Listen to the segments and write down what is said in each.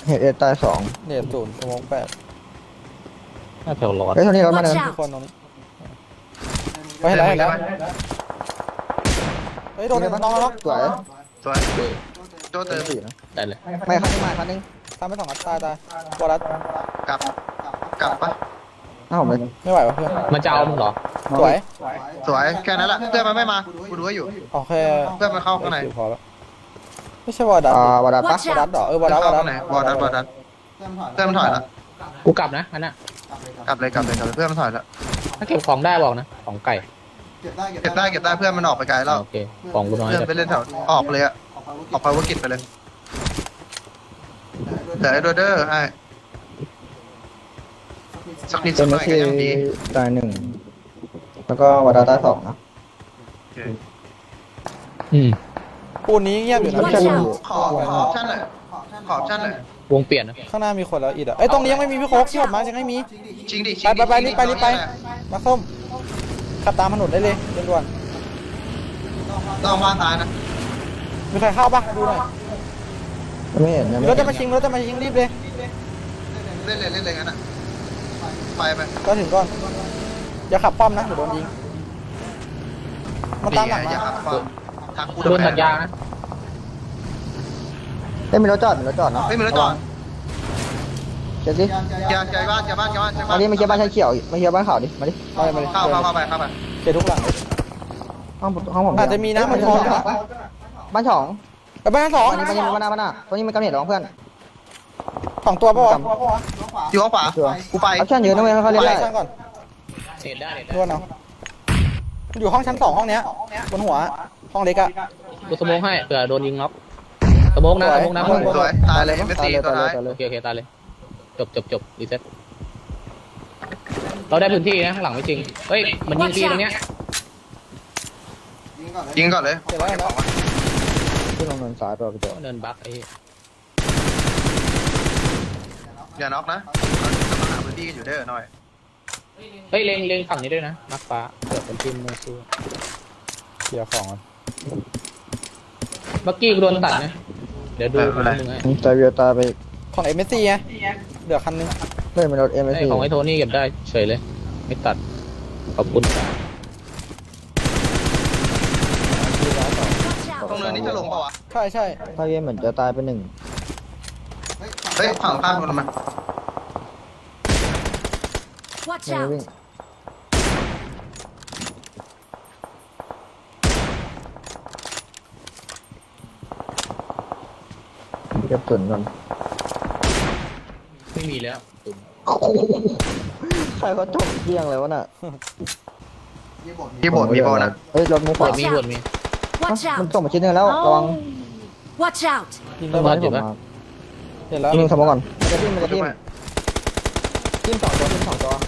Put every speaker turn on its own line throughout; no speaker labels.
เห็ดเอ็ดตายสอง
เน็ตศูนย์สมองแปด
น่าแถวร้อน
เฮ้ยเท่านี้รถมาเดิน
ทุกคนตรงนี้ไปให้แล้วให้แล้วเฮ้ยโดนน้อง
สวย
สวยโจเติม
สี่นะ
ได้เลย
ไม่คันนึงมาคันนึง
ทำไปสองนัดตายบอลัส
กลับกลับปะ
อ้าวผมเลย
ไม่ไหววะเพื่อน
มันจะเอามึงเหรอ
สวย
สวยแค่นั้นแหละเพื่อนมันไม่มากูดูให้อยู่
โอเค
เพื่อนมันเข้าข้างใน
พอแล้วไม่ใช่บอลัส
วาดาปะ
บอลัสเหรอบอลัส
เข้าข้างในบอลดันเพื่อนมันถอยแล้ว
กูกลับนะอันน่ะ
กลับเลยเพื่อนมันถอยแล้ว
ถ้าเก็บของได้บอกนะของไก่
เก็บได้เพื่อนมันออกไปไกลแล้ว
โอเคของกูน้อย
เพื่อน
แต่
ไปเล่นแถวออกเลยอะออกไปวกิจไปเลยเดี๋ยวไอ้โดเดอร์ให้สักนิด
เป็
สั
น
กห
เม
น่อย
ที
ก็ยังดี
ตายหนึ่งแล้วก็วาดาตายสองนะ
ปูนนี้เงียบอยู่นะ
Watch out
ขอชั่นหน่อยขอชั่นหน่อยว
งเปลี่ยนนะ
ข้างหน้ามีคนแล้วอีดอ่ะไอ้ตรงนี้ยังไม่มีพี่โค้กที่ผมมายังไม่มี
จริงดิ
ไปรีบไปมาส้มขับตามถนนได้เลยด่วน
ต้องมาตายนะ
ๆมีใครเข้าปะดูหน่อย
ไม่เห็นยัง
มี
ไม่
รถ
เห็
จะ
น
มาชิงรีบเลย
เล่นเลยงั้นอะไป
ก็ถึงก่อนอย่าขับป้อมนะเดี๋ยวโดนยิงมันตามหลัง
อย่า
มา
ขับความทางกู
โดนตัดยางนะ
เฮ้ยมีรถจอดเนาะ
ไม่มีรถจอด
เช็คดิ
อย่าบ้าน
มาดิมาเคียร์บ้านชายเขียวมาเคียร์บ้านขาวดิมาดิ
ไปเลย
เข้าไป
เกทุกหลัง
ห้องผม
อาจจะมีนะมันพร้อมนะ
บ้านสอง
ไปบ้านสอง
บ้านนี้บ้านหน้าตรงนี้มันกำเนิดของเพื่อน
สองตัวป่ะวะ
อยู่ข้างขวากูไป
ออปชั่นเยอะนะเว้ยเขาเล่นได้
ช่างก่อน
เน็ตได้เน็ต
ด่วนเอามันอยู่ห้องชั้น2ห้องเนี้ยบนหัวห้องเล็กอะ
กูสโมองให้เผื่อโดนยิงน็อกสโมองนะสโมองนะ
สวยตายเลยไม่ตีตัวท้าย
โอเคตายเลยจบรีเซ็ตเราได้พื้นที่นะข้างหลังไม่จริงเฮ้ยมันยิงฟรีตรงเนี้ย
ยิงก่อนเลย
เสร็จแล้วเห็นแล้ว
ขึ้นลงเนินซ้ายไปไปเจอ
เดินบักไอ้
อย่าน็อกนะกำลังหาพื้นที่กันอยู่เด้อหน่อย
เฮ้ยเล็งฝั่งนี้ด้วยนะนักฟ้าเกิดเป็นทีมมือสู้
เคลียร์ของ
เมื่อกี้กูโดนตัดนะเดี๋ยวดูมึงให้
ตายเวียตายไป
ของเอ็มเอสซีไงเดี๋ยวคันนึง
เล่นเป็นรถเอ็มเอสซี
ของไอ้โทนี่เก็บได้เฉยเลยไม่ตัดขอบคุณ
ตรงเนินนี้จะลงเปล่าวะ
ใช่
ตายเวียเหมือนจะตายไปหนึ่ง
เฮ้ยฝั่งข้ามคนมา
Watch
ไม่
out!
วิ่งเก็บตุ่นก่อน
ไม่มีแล้วตุ่ม
ใครเขาจบเที่ยงเลยวะน่ะ
ที่โบดมีโบนะ
เฮ้ยรถมุกข
บ
วาว
ชมีบวชมี
Watch
มัน
out!
ส่งมาชิ้นหนึงแล้วระวัง
Watch out!
ยิง
ต้
ได้
อง
ไหม
รอดอยู่ปะ
เห็นแล้ว
ยิงสมองก่อนมันจะทิ่มสองตัว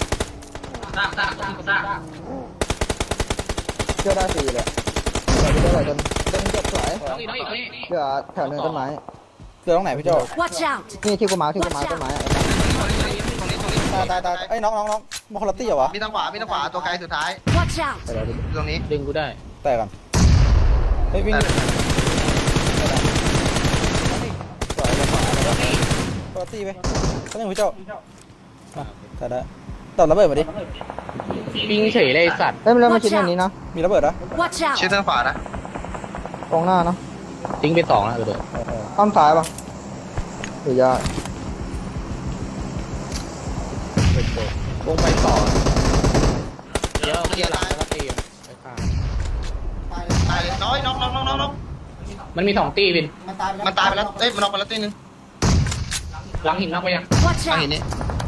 เชื่อได้สี่เลยเชื่อได้จนเจ็บสวย
น้องอีกนี่
เหลือแถวเนินต้นไม้
เจอตรงไหนพี่โจ
Watch out!
นี่ที่กูมาร์คต้นไม้
ตรงนี้
ตายไอ้น้องมาคนละตี้เหรอวะ
มีทางขวาตัวไกลสุดท้าย
Watch out!
ไปแล้วดิ
ตรงนี้
ดึงกูได้
แต่ก่อนเฮ้ยวิ่งสวยเลยคนละตี้ไปก็ยังพี่โจมาแต่ได้ตบระเบิดมาดิ
ปิงเฉยเลยไอ้สัตว์
เฮ้ยมันเริ่มมาชิ้นอย่างนี้นะ
มีระเบิดนะ
Watch
ชิด
out!
ทางขวานะ
ตรงหน้าเนาะ
ทิ้งไป2แล้วเลย
อ้อมซ้ายป่ะหรือยาว
งไปต่อเดี๋ยวเคลียร์หลังแล้วก็ตีไปข้าง
ตายน้อยน็อก
มันมี2ตีวิน
มันตายไปแล้วเอ้ยมันน็อกไปแล้วตีนึง
หลังหินน็อกไปยัง
Watch
ทาง
out!
หินนี้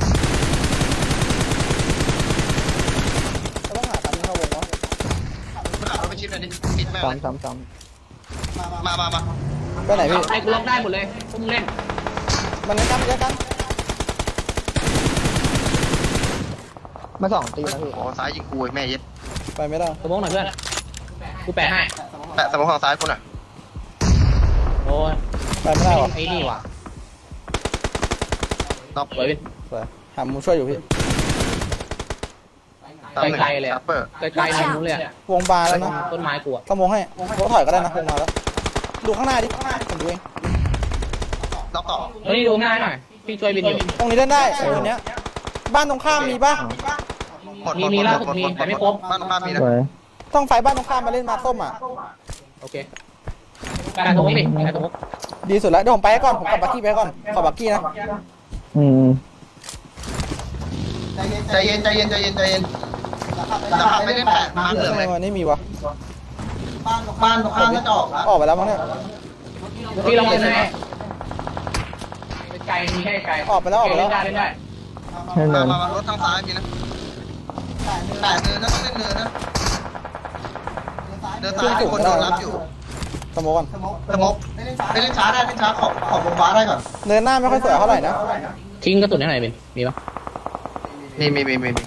เราต้องหาตามที่เข้าวงวะ
มันขับรถไปชิดเลยดิปิดแม่เลย
ซ้ำ
มา
ไปไหนพี่
ไอ้กูล็อกได้หมดเลยพวกมึงเล่น
มันเล่นกันเยอะกัน
มาสองตีนะพี่
โอ้ซ้ายยิงกูแม่เย็ด
ไปไม่ได้
สมองหน่อยเพื่อนกูแปะให้
แปะสมองฝั่งซ้ายกูหน่อย
โอ้ย
ไปไม่ได้หรอ
ไอ้นี่ว่ะ
น็อก
สวยวิน
สวยหามุมช่วยอยู่พี่
ไกลๆเลยอะ
ซัปเปอร์
ไกลๆทางนู้นเลยอะ
วงบาแล้วนะ
ต้นไม้กูอะ
สมองให้รถถอยก็ได้นะวงมาแล้วดูข้างหน้าดิผมดูเอง
ล็อกต่อ
ตรงนี้ดูง่ายหน่อยพี่ช่วยบินอยู่
ตรงนี้เล่นได้ตรงเนี้ยบ้านตรงข้ามมีป่ะ
หมด
มีล่าสุดมีแต่ไม่ครบ
บ้านข้ามมีนะ
สวย
ต้องไฟบ้านตรงข้ามมาเล่นมาส้มอ่ะ
โอเคการสมมติดิการสมมติ
ดีสุดแล้วเดี๋ยวผมไปก่อนผมขับบักกี้ไปก่อนขอบักกี้นะ
อืม
ใจเย็นใจเย็นใจเย็นใจเย็นจะขับไปเล่นแปดมาเหลืองเลย
วันนี้มีวะ
บ้านตรงข้ามก็จะออกแล้ว
ออกไปแล้วมั้งเนี่ย
พี่ลองเล่นให้เป็นไกลมีแค่ไกล
ออกไปแล้วออกไปแล้ว
เล่นได้เล่นได้
ใช่เลย
มารถทางซ้ายมีนะแปดเนินนะต้องเล่นเนินนะเดินซ้ายคนโดนรับอยู่
สมมติก่อน
สมบไปเล่นช้าได้เล่นช้าขอบวงฟ้าได้ก่อน
เดินหน้าไม่ค่อยสวยเท่าไหร่นะ
ทิ้งกระสุนให้หน่อยเป็นมีปะ
มี
มี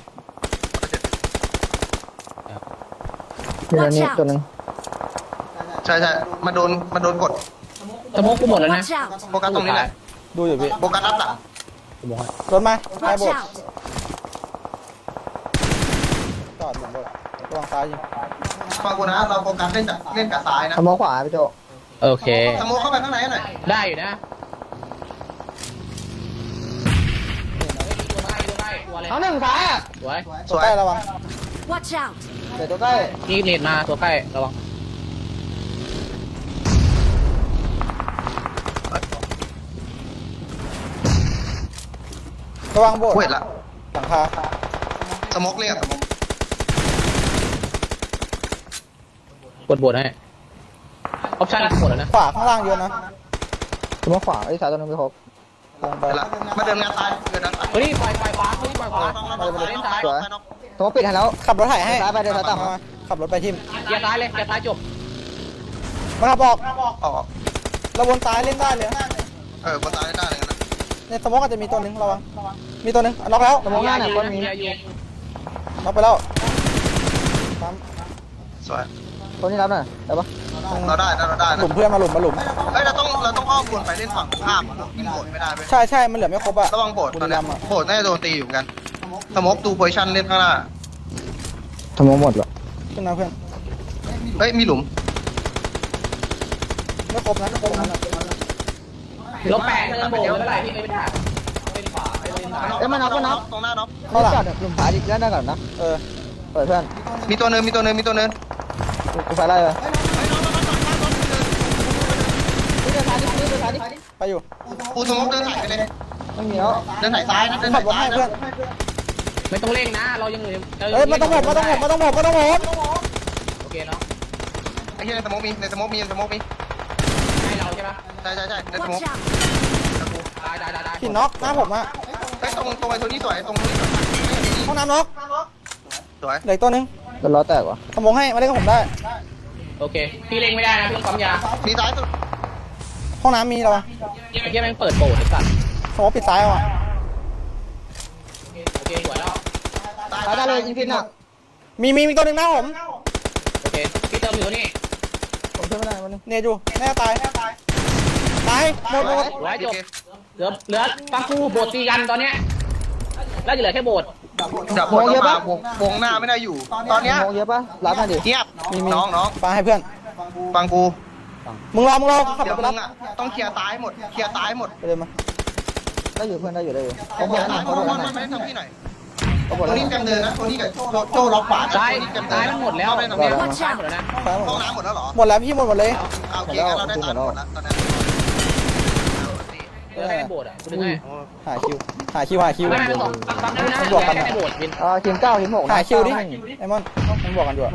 ตัวนี้ตัวนึง
ใช่ใช่มาโดนกด
สมมติกูหมดแล้วนะ
Watch out!
โฟกัสตรงนี้แหละ
ดูอยู่พี่
โฟกัสรับหลัง
กูบอกให้
รถมาไอ้
Watch
โบด
out!
จอดหลุมโบดระวังซ้ายยิง
ฟังกูนะเราโฟกัสเล่นกับซ้ายนะ
ทำมองขวาพี่โจ
โอเค
สมมติเข้าไปข้างในหน่อย
ได้อยู่นะเอาหนึ่งซ้ายอ่ะสวย
ตัวใกล้ระวัง
Watch out!
เดี๋ยวตัวใกล้
นี่เน็ตมาตัวใกล้ระวัง
ระวังโบด
กูเห็นละ
หลังคา
สมกเรียกสมก
กดบทให้ออปชั่นหมดแล้วนะ
ขวาข้างล่างเยอะนะ
ทำมองขวาไอ้สายตัวนึงไม่ครบ
ลงไป
เห็นละมาเดินงานซ้ายเดินงานซ้าย
เฮ้ยปล่อยขวาเฮ้ยปล่อยขวาเล่นซ้าย
สวยทำมองปิดให้แล้ว
ขับรถไถให้
ซ้ายไปเดินซ้ายต่ำ
มาขับรถไปทิม
เกียร์ซ้ายเลยเกียร์ซ้ายจบ
มาขับออก
ออก
เราวนซ้ายเล่นได้เลย
บนซ้ายได้เลยนะ
ในสมองอาจจะมีตัวหนึงระวังมีตัวหนึงล็อกแล้ว
ทำมองหน้าหน่อยคนมี
ล็อกไปแล้วปั๊ม
สวย
คนนี้รับหน่อยได้ปะ
เราได้
หลุมเพื่อนมาหลุม
เฮ้ยเราต้องอ้อมวนไปเล่นฝั่งข้ามยิงโบดไม่ได้เว้ย
ใช่มันเหลือไม่ครบอะ
ระวังโบดตอนนี้
บุรีรัมย์อะ
โบดน่าจะโดนตีอยู่กันสมกดูโพซิชั่นเล่นข้างหน้า
ทำมองหมดเหรอ
ขึ้นนะเพื่อน
เฮ้ยมีหลุม
ไม่ครบนะไม่ครบนะ
ลบแปดเทิร์นโบว์ไม่เป็นไรพี่ไม่เป็นไรเป็นขวาไปเล่นซ้าย
ตรงหน้าน็อก
เข้าหลัง
จอดหลุมขวาดิเล่นได้ก่อนนะ
เออ
เปิดเพื่อน
มีตัวเนิน
กูไฟไล่ไป
ไปอยู่
กูสมมติเดินถ่ายไปเลย
ไม่มีแล้ว
เดินถ่ายซ้ายนะเดิน
ขั
ถ่า
บ
ย
รถ
ซ้าย
ให้
นะ
เพื่อน
ไม่ต้องเร่งนะเรายังเหลือ
เฮ้ยมาต้องผม
โอเคเนาะ
ไอ้ที่ในสมมติมีให้
เราใช่ปะ
ใช่ในสมม
Watch
ติ
out!
ได้
หินน็อกหน้าผมอะ
เฮ้ยตรงไอ้ตัวนี้สวยตรงนี้
ห้องน้ำน็อก
สวย
เหลืออกตัวหนึง
แล้วล้อแตกวะ
สมองให้มาเล่นกับผมได้
โอเคพี่เร่งไม่ได้นะพี่ต้องปั๊มยา
มีซ้ายสุด
ห้องน้ำมีแล้ววะ
เมื่อกี้แม่งเปิดโบว์ไอ้สัตว์
สมองปิดซ้ายเอาอะ
โอเคสวยแล้ว
ตายได้เลยยิงพินอ่ะ
มีตัวหนึงหน้าผม
โอเคพี่เติมอยู่นี่
ผมช่วยไม่ได้วันนึง
เนยอยู่แน่ตายหมด
สวยจบเหลือฟังกูโบดตีกันตอนเนี้ยแล้วจะเหลือแค่โบด
ดับบนมาวงหน้าไม่ได้อยู่ ตอนเนี้ย
มองเยอะปะรับมาดิ
เงียบน้อง
ปาให้เพื่อน
ฟังกู
มึงรอขับ
เดี๋ยว
ไป
มึ
รับ
งอ่ะต้องเคลียร์ซ้ายหมดเคลียร์ซ้ายหมด
ไปเลยมา
ได้อยู่เพื่อนได้อยู่ผม
เค
บ
ลี
อย ก
ร์
แล้ว
ซ้าย
ผมบอก
มัน
แล้ว
ไม่ได้ทำที่ไหน
ผมบอก
ตัว
แล้ว
นี้เต็มเดินนะตัวนี้กับโจ้ล็อกขวา
ซ้ายมันหมดแล้ว
ได้ตรงนี้
ซ้ายหมดแล้วนะ
ซ้ายหม
ห้อง
ด
น้ำหมดแล้วเหรอ
หมดแล้วพี่หมดเลย
โอเคงั้นเราได้ซ้ายหมดแล้วตอนนี้
เหลือแค่โบดอ่ะคุณนึกไง
หาคิว
ไม่ไม่ต้องปั๊มนะแค่โบดวิน
ทีม9ทีม6
หาคิวดิไอมอนมันบอกกันอยู่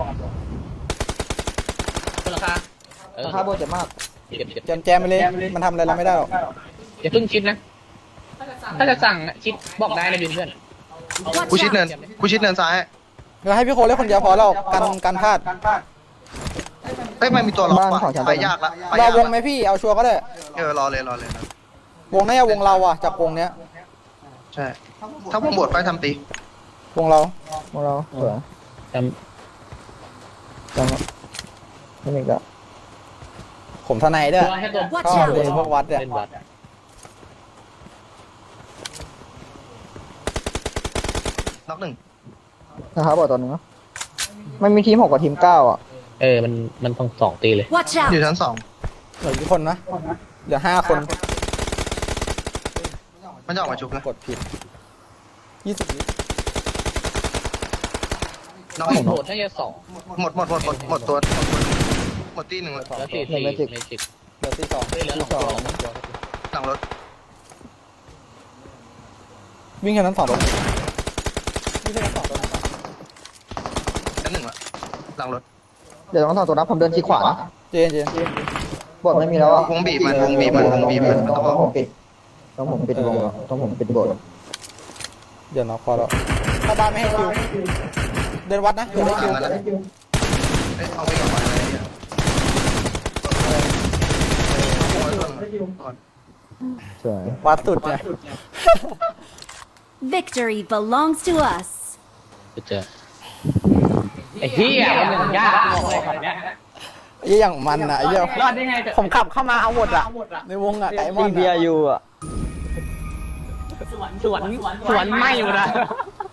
คุณราคา
ราคาโบเจ็บมาก
แจมไปเลยมันทำอะไรเราไม่ได้หรอก
อย่าเพิ่งคิดนะถ้าจะสั่งคิดบอกได้เลยเพื่อน
กู
Watch
ชิด
out!
เนินซ้าย
เราให้พี่โคเล่นคนเดียวพอแล้วกันพลาด
เฮ้ยมันมีตัวล็อกว่ะไปยากละ
รอวงไหมพี่เอาชัวร์ก็ได้
รอเลยว
งน่าจะวงเราอ่ะจากวงเนี้ย
ใช่ถ้าวงบดไปทำตี
วงเรา
ของเราสวย
จ
จำไม่มีก็
ผมทนายด้วย
ำให้ตัว
Watch
ชอบเลย
out!
พวกวัดเนี่ย
เล่นวัด
น็อกหนึ่ง
ราคาบอกตัวนึงเนาะมันมีทีม6กับทีม9อ่ะ
มันต้อง2ตีเลย
Watch
อยู่
out!
ชั้น 2
เหลือกี่คนนะเหลือ5 คน
มันจะออกมาชุบนะ
กดผิด20 วิ
น้อง
โบดน่าจะ2
หมดตัวหมดตีหนึ่งเลย
แล้ว4เมจิก
เหลือที่2
เฮ้ยเหลือ2ตัว
หลังรถ
วิ่งแค่นั้น2รถวิ่งแค่นั้น2รถ
ชั้นหนึ่งละหลังรถ
เดี๋ยวต้องทำตัวนับผมเดินชี้ขวานะ
เจน
บอดไม่มีแล้วอ่ะ
วงบีบมันมันต้อง
ผมปิดต้องผมปิดวงแล้วต้องผมปิดบท
เดี๋ยวน็อกพอแล้วถ้าบ้านไม่ให้คิวเดินวัดนะเดี๋ยวได้คิว
เอาไปก่อนอะไรเนี่ย
สวย
วัดสุดไง
Victory belongs to us.
เจอไอ้เหี้ยมันอย่างยากบอกเลยแบบเนี้ย
ไอ้อย่างมันอ่ะไอ้เหี้ย
รอดได้ไง
ผมขับเข้ามาเอาหมดอ่ะในวงอ่ะไก่มอน
เบียร์อยู่อ่ะ
สวนไม่อยู่นะ